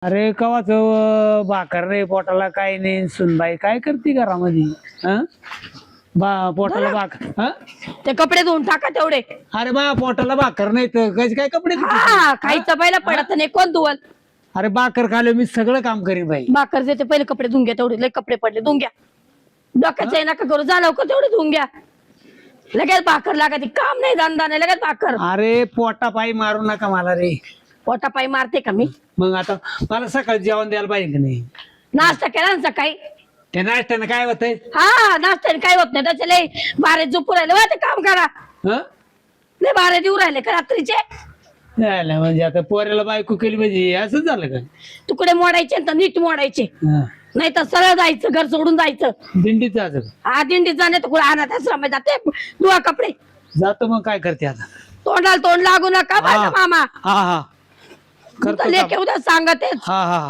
अरे कवाच भाकर रे पोटाला काय नाही सुनबाई काय करते घरामध्ये हं? पोटाला भाकर हं? ते कपडे धुवून टाका तेवढे. अरे बा पोटाला भाकर नाही तर कशी काय कपडे धुते? हा खायचं पहिला पडत नाही कोण धुवल. अरे भाकर खाले मी सगळं काम करीन बाई. भाकर देते पहिले कपडे धुवून घ्या तेवढे लय कपडे पडले धुवून घ्या. डोक्याचं नका करू जा लवकर तेवढे धुवून घ्या. लगेच भाकर लागते काम नाही धंदा नाही लगेच भाकर. अरे पोटा पायी मारू नका मला रे. पोटापायी मारते का मी? मग आता मला सकाळी जेवण द्यायला पाहिजे की नाही? नाश्ता केला ना सकाळी? त्या नाश्त्यानं काय होतंय? हा नाश्त्याने काय होत नाही त्याचे लय बारे झोपू राहिले वा ते काम करा. हं? लय बारे देऊ राहिले का रात्रीचे? झालं म्हणजे आता पोऱ्याला बायको केली म्हणजे असंच झालं का? तुकडे मोडायचे तर नीट मोडायचे हं. नाही तर सरळ जायचं घर सोडून जायचं. दिंडीच असं हा दिंडीत जाणे तर कुठे अनाथ आश्रमात जाते धुवा कपडे. जातो मग काय करते आता? तोंडाला तोंड लागू नका माझा मामा. हा हा करतो लेके काम. उद्या सांगतेच. हा हा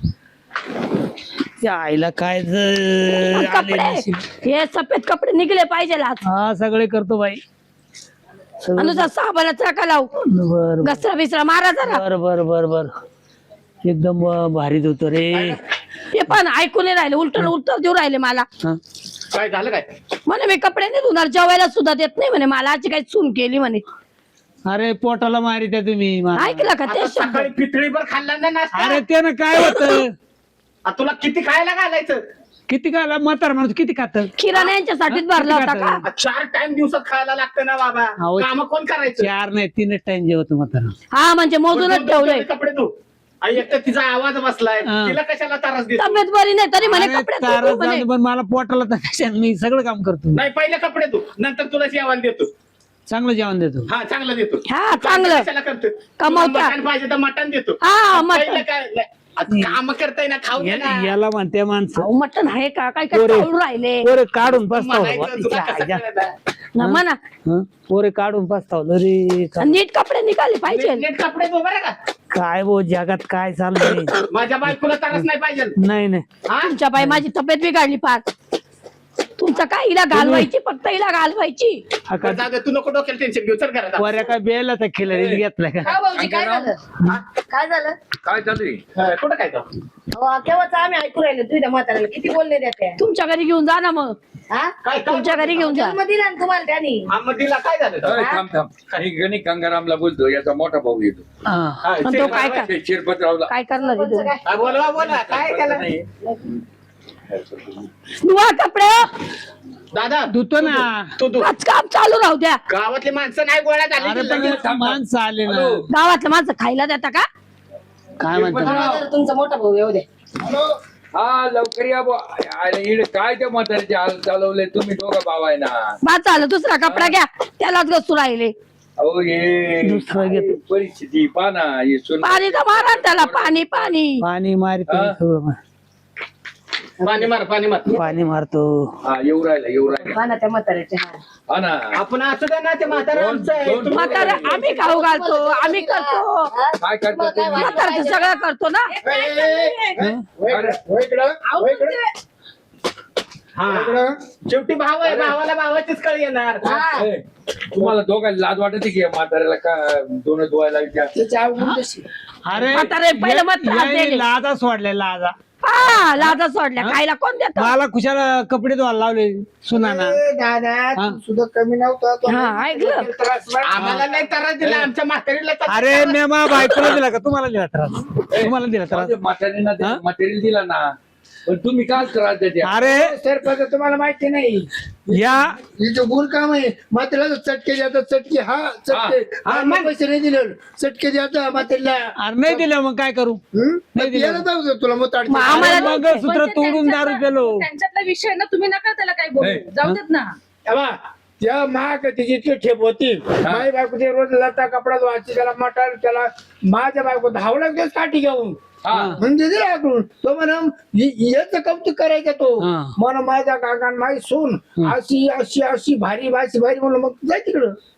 त्या आईला काय आले कपडे नशीब. हे सफेद कपडे निघले पाहिजे आज. हा सगळे करतो बाई सगळं. अनुसा साबणाचा का लावू बर घसरा बिसरा मारा जरा. बर बर बर बर एकदम भारीच होतो रे. हे पण ऐकून नाही राहिले उलट उत्तर देऊ राहिले मला. हा. काय झालं काय? म्हणे मी कपडे नाही धुणार जेवायला सुद्धा देत नाही म्हणे मला आजची काही सून केली म्हणे. अरे पोटाला मारी त्या तुम्ही मला. ऐकलं का ते आता शब्द? सकाळी पितळीभर खाल्ला ना नाश्ता. अरे त्यानं काय होत तुला किती खायला घालायचं? किती खायला म्हातार माणूस किती खात? किराणा यांच्यासाठीच भरला होता का? 4 टाइम दिवसात खायला लागतं ना बाबा. अहो, काम कोण करायचं? 4 नाही 3 टाइम जेवत म्हातारा. हा म्हणजे मोजूनच ठेवलंय. कपडे धु. आणि एक तर तिचा आवाज बसलाय हा. तिला कशाला त्रास देतो? तब्येत बरी नाही तरी म्हणे अरे कपडे तारच धुवू म्हणे. झाली, पण मला पोटाला तर कशाने मी सगळं काम करतो. नाही पहिले कपडे धु नंतर तुला जेवण देतो. चांगलं जेवण देतो. हा चांगलं देतो. हा, चांगलं. कशाला करतो? कमावता. तुला मटण पाहिजे तर मटण देतो. हा, मटण. पहिलं काय काम करताय ना खाऊ दे ना. याला म्हणते माणसं अहो, मटण आहे का काय काय पोरे. चालू राहिले पोरे काढून पस्तावलं म्हणायचं तुला कसं कळलं? ना म्हणा. हं? पोरे काढून पस्तावलं रे. नीट कपडे निघाले पाहिजे. नीट कपडे धु बरं का. काय बो जगात काय चाललंय? माझ्या बायकोला त्रास नाही पाहिजे. नाही नाही हा? तुमच्या बाई माझी तब्येत बिघडली फार. तुमचं काय हिला घालवायची फक्त हिला घालवायची. अका जाऊ दे, तू नको डोक्याला टेन्शन घेऊ. चल घरात. पोऱ्या काय बेला तर खिलारी घेतला का? काय भाऊजी काय झालं? काय झालं? काय चालू आहे? हा, कुठं काय जाऊ? केव्हाच आम्ही ऐकू राहिलो तुझ्या म्हाताऱ्याला किती बोलले त्या तुमच्या घरी घेऊन जा ना मग. हा काय तुमच्या घरी घेऊन जा. जन्म दिला ना तुम्हाला त्यांनी. तिला काय झालं अरे, थांब थांब काही गणित गंगारामला बोलतो याचा मोठा भाऊ येतो हा. हा, पण तो काय कर शिरपतरावला काय करणार आहे तो? हा, बोलवा बोला काय केलं? नाही. धुवा कपडे. दादा धुतो ना. तू तू आज काम चालू राहू द्या. गावातली माणसं नाही गोळ्या अरे झाली पण लगेच. माणसं आले ना. हॅलो. गावातलं माणसं खायला देता का? काय म्हणतात? जरा तुमचा मोठा भाऊ येऊ दे. हा लवकर या बुवा. अरे, इकडे काय त्या म्हातारीचे हाल चालवले तुम्ही दोघं भाव आहे ना. बा चाललं दुसरा कपडा घ्या त्यालाच घसू राहिले. अहो हे दुसरं घेतो. परिस्थिती पाना हे सुन पाणी तर मारा ना त्याला पाणी पाणी. पाणी मारतो हा? सगळं पाणी मार पाणी मार. पाणी मारतो. हा येऊ राहिला हा ना त्या म्हाताऱ्याचे हा. हा ना. आपण असू दे ना ते म्हातारा आमचं आहे. दोन- तुम्ही म्हातारा आम्ही खाऊ घालतो आम्ही करतो. काय करता तुम्ही? म्हातारचं सगळं करतो ना. हं? हा. शेवटी भाव आहे भावाला भावाचीच कळ येणार. ए, तुम्हाला दोघांना लाज वाटते की या म्हाताऱ्याला का दोन धुवायला विचार त्याची आवड कशी? अरे म्हातारे पहिलं मत त्रास याने दिले. लाजा सोडल्या लाजा. हा लाजा सोडल्या खायला कोण देत? मला खुशाला कपडे धुवायला लावले सुनाना. दादा हा? तू सुद्धा कमी नव्हता तो. हा ऐकलं. आम्हाला नाही त्रास दिला आमच्या म्हातारीला त्रास अरे मी मा बायकोला दिला का तुम्हाला दिला त्रास? तुम्हाला दिला त्रास? म्हातारीला हा? मटेरियल दिला ना पण तुम्ही काय त्रास देते अरे सरपंच तुम्हाला माहिती नाही या हिचं गुण काम आहे म्हाताऱ्याला चटके देतात चटके हा चटके हा मग पैसे नाही दिले चटके द्यायचा म्हातारीला अरे नाही दिलं मग काय करू? नाही दिलं. यायला जाऊ दे तुला मग ताट मग आम्हाला मग सूत्र तोडून दारू पेलो. त्यांच्यातला विषय ना तुम्ही नका त्याला काही बोलू नाही. जाऊ देत ना. तेव्हा त्या महाग तिची इतकी ठेप होती माझी बायको ते रोज लता कपडा धुवायची त्याला मटार त्याला माझ्या बायको धावला दिवस काठी घेऊन हा म्हणजे दिला आकडून तो म्हणा याच कौतुक करायचा तो हा. म्हणा माझ्या काकान माझी सून अशी अशी अशी भारी भारी भारी म्हणलं मग जाय तिकडं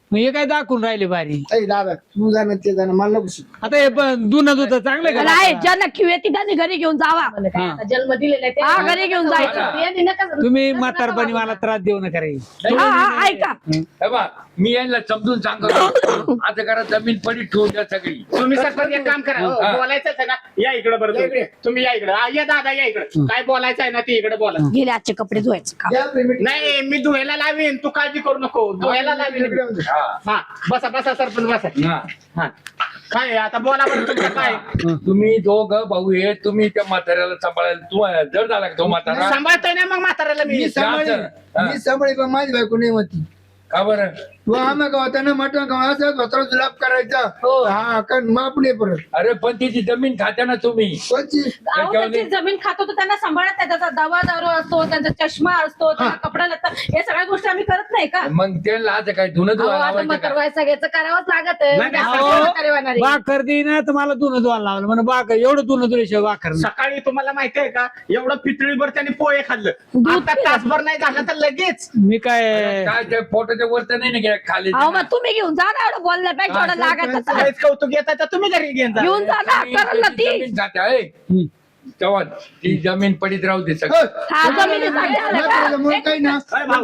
मग हे काय दाखवून राहिले बारी. ऐ दादा तू जाणं ते जाणं मला नको शिकवू. आता हे पण दुन दूध चांगलं का नाही ज्यांना क्यू येते त्यांनी घरी घेऊन जावा. हा. जन्म दिलेला आहे हा घरी घेऊन जायचं. यांनी नका तुम्ही म्हातारपणी मला त्रास देऊ नका रे. हा हा ऐका हे बा मी यांना समजून सांगतो आता करा जमीन पडी ठेवून द्या सगळी. तुम्ही सरपंच एक काम करा हा. बोलायचं आहे ना या इकडे बरं तुम्ही या इकडे या दादा या इकडे काय बोलायचं आहे ना ते इकडे बोला. गेले आजचे कपडे धुवायचे का या पेमेंट नाही मी धुवायला लावीन तू काळजी करू नको धुवायला लावीन. हा. हा बसा बसा सरपंच बसा. हा. हा काय आहे? आता बोला बरं तुमचं काय तुम्ही दोघ भाऊ आहे तुम्ही त्या म्हाताऱ्याला सांभाळायला तू जड झाला का तो म्हातारा सांभाळतोय ना मग म्हाताऱ्याला मी मी सांभाळी हा. मी सांभाळी पण माझी बायको नाही म्हणती. का बरं तू आम्हा गावात मटण गावाचा धोत्रा जुलाब करायचा हा कारण माप नाही परत अरे पण तिची जमीन खात्या ना तुम्ही. कोणची अहो, त्याची जमीन खातो तर त्यांना सांभाळत नाही. त्याचा दवा दारू असतो त्यांचा चष्मा असतो त्यांना कपडा लागतात हे सगळ्या गोष्टी आम्ही करत नाही का? मग त्यांना आता काय धुणं अहो, धुवा आता लावायचं म्हातार का? वयसा घ्यायचं करावंच लागत आहे. नाही, नाही, आपण अहो, म्हातारे होणार आहे. बाकर दे ना तर मला दुन धुवायला लावलं म्हणून बाकर एवढं दुन धुल्याशिवाय बाकर नाही. सकाळी तुम्हाला माहिती आहे का एवढं पितळीभर त्यांनी पोहे खाल्लं आता तासभर नाही झालं तर लगेच मी काय काय त्या पोटाच्या वर तर नाही ना गेल्या खाली अहो मग तुम्ही घेऊन जा ना एवढं बोलण्यापेक्षा एवढं लागत काहीच कौतुक येतात तर तुम्ही घरी घेऊन जा. घेऊन जा ना करल ना ती जमीन खात्या आहे तेव्हा ती जमीन पडीत राहू दे सगळं. हा जमिनीसाठी आलं का? म्हाताऱ्यामुळे काही ना अरे भाऊ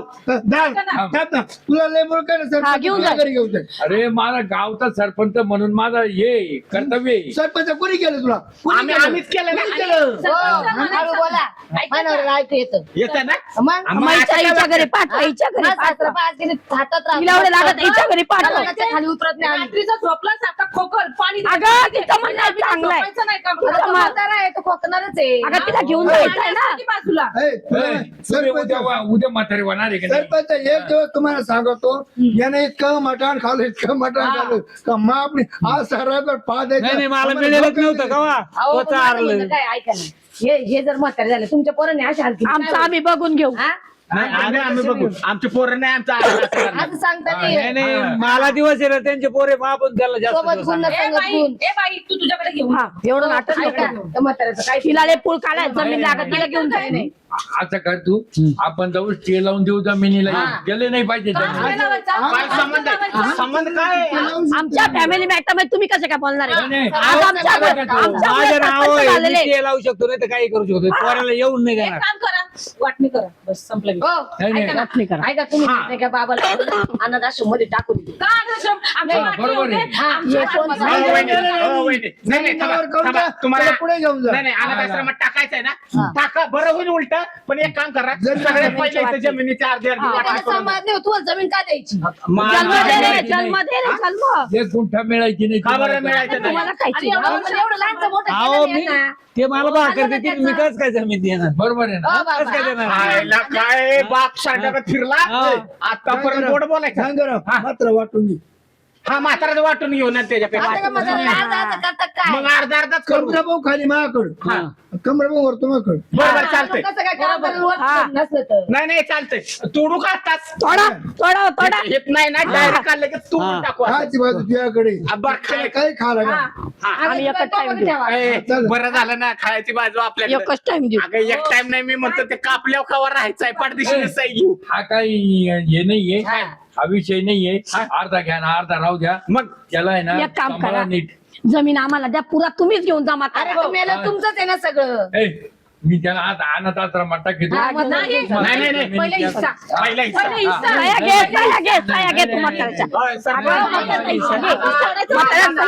तुला लय मुळे काय ना हा, घेऊन सरपंच जा. घरी घेऊन जाय. अरे मला गावचा सरपंच म्हणून माझा हे कर्तव्य आहे. सरपंच कोणी केलं तुला कोणी आम्ही केलं? आम्हीच केलं कोणी ना. केलं? सरपंच म्हणायचं. बोला ऐका ना. मनावर ऐकू येतं येतं ना मग आम्ही माईच्या आता आईच्या काय घरी पाठवा हिच्या घरी माझं सासरं पाठवा. पाच दिवस हातात राहतं. तिला एवढं लागत हिच्या घरी पाठवा. त्याच्या खाली उतरत नाही आम्ही. रात्रीचा झोपला सारखा खोकल पाणी अगं, तिचं म्हणणं आम्ही चांगलं आहे. झोपायचं नाही का? आता तो म्हातारा आहे तो खोकणारच आहे अगं तिला घेऊन जायचं आहे ना. किती बाजूला ए, ए, तुम्ही सरपंच उद्या म्हातारे होणार आहे का नाही? सरपंच एक दिवस तुम्हाला सांगतो याने इतकं मटण खाल्लं इतकं मटण खाल्लं का मग आपली आज सरावर पा द्यायचा. नाही नाही मला मिळेलच नव्हतं का वा अहो, तो पण माझं चारलं म्हणणं काय ऐका ना हे जर म्हातारे झाले तुमच्या पोरांनी अशा हालती आमचं आम्ही बघून घेऊ. नाही, आम्ही बघू आमचे पोरं नाही आमचा असं सांगता नाही नाही नाही मला दिवस आहे ना त्यांचे पोरे आपण त्याला जास्त सोबत दिवस गुण आणणार. ए संगत बाई गुण ए बाई तू तुझ्याकडे घेऊन हा एवढं नाटक ऐका नको. त्या म्हाताऱ्याचं काय तिला लय पूल काढाय जमीन लागत तिला घेऊन जाय नाही. असं कर तू आपण जाऊ स्टे लावून देऊ जमिनीला गेले नाही पाहिजे जमीन. काय संबंध आहे? संबंध काय आहे? आमच्या फॅमिली मॅटर मध्ये तुम्ही कसे काय बोलणार नाही, आहे? नाही. आज आमच्या माझं नाव सरपंच आहे झालेले. मी ते लावू शकतो नाही तर काही करू शकतो पोराला येऊन नाही एक देणार. काम करा वाटणी करा बस संपलं विषय. हो नाही, नाही. ऐका ना वाटणी करा. ऐका तुम्ही नाही का बाबाला अनाथाश्रम मध्ये टाकून द्या. का अनाथाश्रम? आमची हा, वाटणी बरोबर आहे. होते. आमची हे वाटणी कोण होते. हो, वहिनी. हो, वहिनी. नाही, नाही, थांबा, जमिनीवर करून थांबा. द्या. तुम्हाला त्याला पुढे घेऊन जा. नाही नाही अनाथ आश्रमात टाकायचंय ना टाका बरं होईल उलट पण एक काम करा सगळ्यात पहिले इथं जमिनीची अर्धी अर्धी वाटणी त्याला करून समाज नाही तुम्हाला जमीन का द्यायची जन्म दे रे जन्म दे रे जन्म. एक गुंठा मिळायची नाही का बरं तुम्हाला. मिळायचं नाही तुम्हाला आणि खायची एवढं अहो, पण एवढं लहानचं मोठं अहो केलं मी नाही ना. ते मला भाकर देतील मी कस काय जमीन देणार बरोबर आहे ना हो कस काय बाबा देणार आयला काय बाप सांगत फिरला हा. आतापर्यंत गोड बोलायचं सांग जरा, मात्र वाटून घे. हा म्हाताराचं वाटून घेऊ ना आता का त्याच्यापेक्षा माझं लाज असं करतात काय मग अर्धा अर्धाच करू कमरा भाऊ खाली माझ्याकडं कमरा भाऊ वर तुम्हाकडं बरोबर चालतंय कसं काय कामाला वर हा. नसलं तर नाही नाही चालतंय तोडू का आताच थोडा थोडा थोडा येत नाही ना डायरेक्ट काढलं की तोडून टाकू आता. खायची बाजू तुझ्याकडे बरं खाय काही खा लागा आम्ही एकच टाइम देऊ. ए, चल. बरं झालं ना खायची बाजू आपल्याकडे एकच टाइम देऊ. अगं एक टाइम नाही मी म्हणतो ते कापल्यावर कवर राहायचंय पाठदिशी सही घेऊ हा काही हे नाहीये हा विषय नाहीये अर्धा घ्या ना अर्धा राहू द्या मग त्याला आहे ना एक काम सांभाळा करा. नीट. जमीन आम्हाला द्या पुरा तुम्हीच घेऊन जा माता. अरे तुम्हाला तुमचंच आहे ना सगळं ए, मी त्याला आता अनाथ आश्रमात टाकीतो. हा, मग नाही. नाही नाही नाही पहिला हिस्सा. पहिला हिस्सा. पहिले हिस्सा. साया घे साया घे साया घे तू म्हाताऱ्याच्या. होय, सगळं. अगं, म्हाताऱ्याचा हिस्सा घे. म्हाताऱ्याला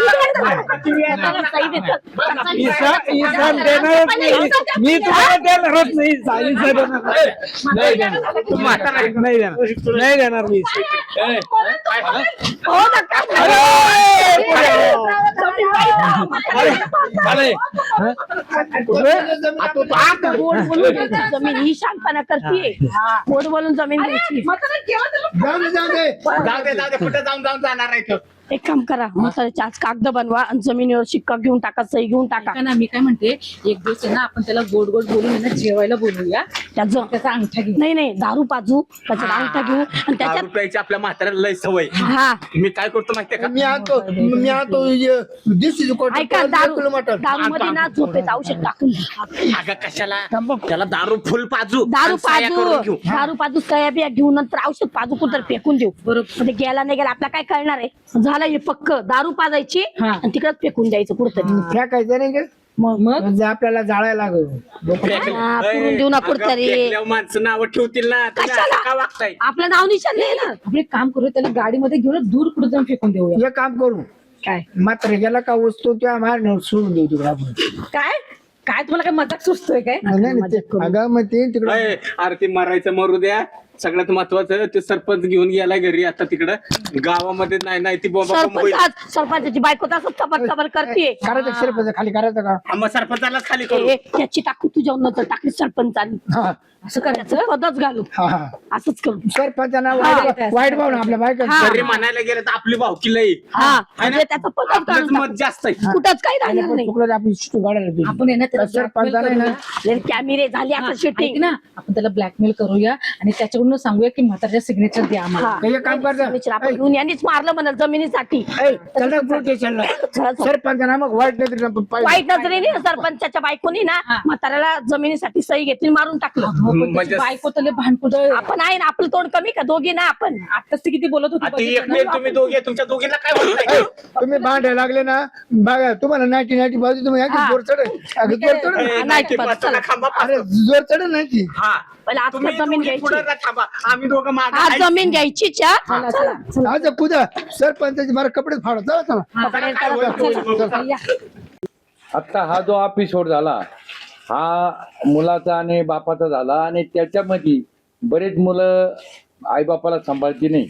सही दे. म्हाताऱ्याला सही दे. इसा देणारच नाही मी तुम्हाला देणारच नाही इसा देणार नाही. नाही देणार नाही देणार नाही देणार मी ए, हो नका. अरे, गोड बोलून जमीन ही शांतपणा करते. गोड बोलून जमीन घ्यायची. म्हातारा केव्हा त्याला जाऊ दे जाऊ दे जाऊ दे कुठे जाऊन जाऊन जाणार आहे तो एक काम करा म्हाताऱ्याचे आज कागद बनवा आणि जमिनीवर शिक्का घेऊन टाका, सही घेऊन टाका. ऐका ना, मी काय म्हणते, एक दिवस आहे ना आपण त्याला गोड गोड बोलून आहे ना जेवायला बोलवूया, त्याचं त्याचा अंगठा घेऊ. नाही दारू पाजू, त्याच्यात अंगठा घेऊ आणि त्याच्यात रुपयाची आपल्या म्हाताऱ्याला लय सवय. हा मी काय करतो माहितीये का, मी आणतो दिसतो ऐका, दारू मध्ये ना झोपेचं औषध टाकून द्या. अगं कशाला त्याला दारू फुल पाजू दारू आणि साया करून पाजू, घेऊ. दारू पाजू, सया बिया घेऊन नंतर औषध पाजू कुठं फेकून देऊ. बरोबर. म्हणजे गेला नाही गेला आपल्याला काय कळणार आहे. झालं हे पक्क, दारू पाजायची हा. आणि तिकडच फेकून द्यायचं कुठतरी. फेकायचं नाही का मग म्हणजे आपल्याला जाळायला लागल. हा, पुरून देऊ ना अगं, कुठतरी. फेकल्यावर माणसं नावं ठेवतील ना, तुम्ही असं कशाला? का वागताय? आपलं नाव निशान नाही ना. आपण एक काम करूया, त्याला गाडीमध्ये घेऊन दूर कुठे जाऊन फेकून देऊया. हे काम करू काय मात्र गेला का वस्तू त्या मारण्यावर सोडून देऊ तिकडे आपण. काय काय तुम्हाला काय मजाक सुचतोय काय? नाही, अगं मग ते तिकडे अय, अरे ते मरायचं मरू द्या. सगळ्यात महत्वाचं ते सरपंच घेऊन गेलाय घरी आता तिकडं गावामध्ये. नाही ती बोंबा बोंब होईल. सरपंचाची बायको तसंच चपट चपट करते. करायचं सरपंच खाली करायचं का हा, मग सरपंचालाच खाली करू. त्याची टाकू तुझ्या नंतर टाकली सरपंचानी. हा असं करायचं, पदच घालू, हा हा असंच करू. सरपंचाना हा. वाईट भाव ना आपल्या बायका हा. तरी म्हणायला गेलं तर आपली भावकी लई हा है ना? म्हणजे त्याचं पदच आपलंच घालून मत जास्त आहे. कुठंच काही राहणार नाही. चुकलं तर आपण शिटू काढायला पाहिजे. आपण आहे ना त्याला blackmail सरपंचाने ना करूया. कॅमेरे झाले आता ऐक शूटिंग. ना, आपण त्याला ब्लॅकमेल करूया आणि त्याच्याकडून सांगूया की म्हाताऱ्याच्या सिग्नेचर द्या आम्हाला. हे काम करता आपण घेऊन यांनीच मारलं म्हणाल जमिनीसाठी. चला प्रोटेक्शनला सरपंचाना मग वाईट नाही तरी आपण पाहिजे. वाईट नजरेने सरपंचाच्या बायकोनी ना म्हाताऱ्याला जमिनीसाठी सही घेतली, मारून टाकलं. म्हणजे बायको तले भांडकुद आपण आहे ना, आपलं तोंड कमी का? दोघी ना आपण. आताच ते किती बोलत आता होती एकटे तुम्ही दोघे, तुमच्या दोघींना काय होत नाही? तुम्ही भांडायला लागले ना बघा तुम्हाला 90 बाजू तुम्ही हा. जोर चढ जोर चढ ए, नाही, ते पण पाचला चला. खांबा अरे पाचला. जोर चढ नाही ती. हा पहिला आता तुम्ही जमीन दोघी घ्यायची. पुढं ना थांबा, आम्ही दोघं मागं आज आहे. जमीन घ्यायची चला. आज कुदा सरपंचाची मला कपडे फाडत चला चला काय होईल? आता हा जो एपिसोड झाला हा मुलाचा आणि बापाचा झाला आणि त्याच्यामध्ये बरेच मुलं आईबापाला सांभाळती नाही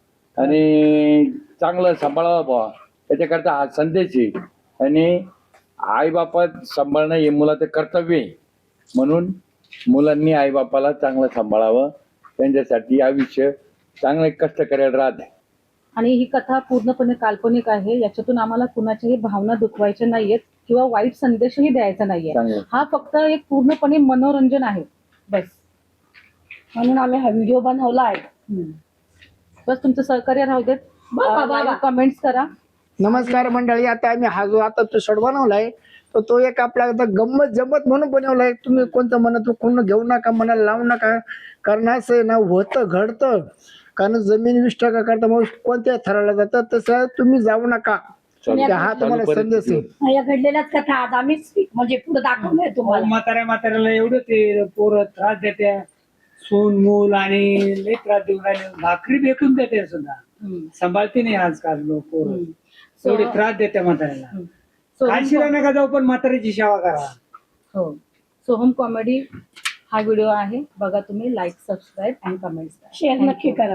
आणि चांगलं सांभाळावं बुवा त्याच्याकरता हा संदेश आहे. आणि आईबापात सांभाळणं हे मुलाचं कर्तव्य आहे. म्हणून मुलांनी आईबापाला चांगलं सांभाळावं, त्यांच्यासाठी आयुष्य चांगले कष्ट करायला राहते. आणि ही कथा पूर्णपणे काल्पनिक आहे. याच्यातून आम्हाला कुणाच्याही भावना दुखवायच्या नाहीयेत किंवा वाईट संदेशही द्यायचा नाहीये. चांगलं. हा फक्त एक पूर्णपणे मनोरंजन आहे बस. म्हणून आम्ही हा व्हिडिओ बनवला आहे. बस तुमचं सहकार्य राहू देत. कमेंट्स करा. नमस्कार मंडळी. आता आम्ही हा जो आता तो शॉट बनवलाय तर तो एक आपला आता गंमत जमत म्हणून बनवलाय. तुम्ही कोणतं म्हणत कोण घेऊ नका, मनाला लावू नका. कारण असं आहे ना, होतं घडतं. कारण जमीन 20% करता मग कोणत्या थराला जातं तसं तुम्ही जाऊ नका. हा तुम्हाला संदेश आहे. या घडलेल्याच कथा आज आम्हीच म्हणजे पुढे दाखवलंय तुम्हाला. म्हाताऱ्याला एवढं ते पोरं त्रास देते, सून मूल आणि लय त्रास देऊन राहिले. भाकरी फेकून देते सुद्धा, सांभाळते नाही आजकाल लोक पोरं. एवढे त्रास देते म्हाताऱ्याला. काशीला नका जाऊ पण म्हाताऱ्याची सेवा करा. हो, सोहम कॉमेडी हा व्हिडिओ आहे बघा तुम्ही. Like, subscribe and comments share नक्की करा.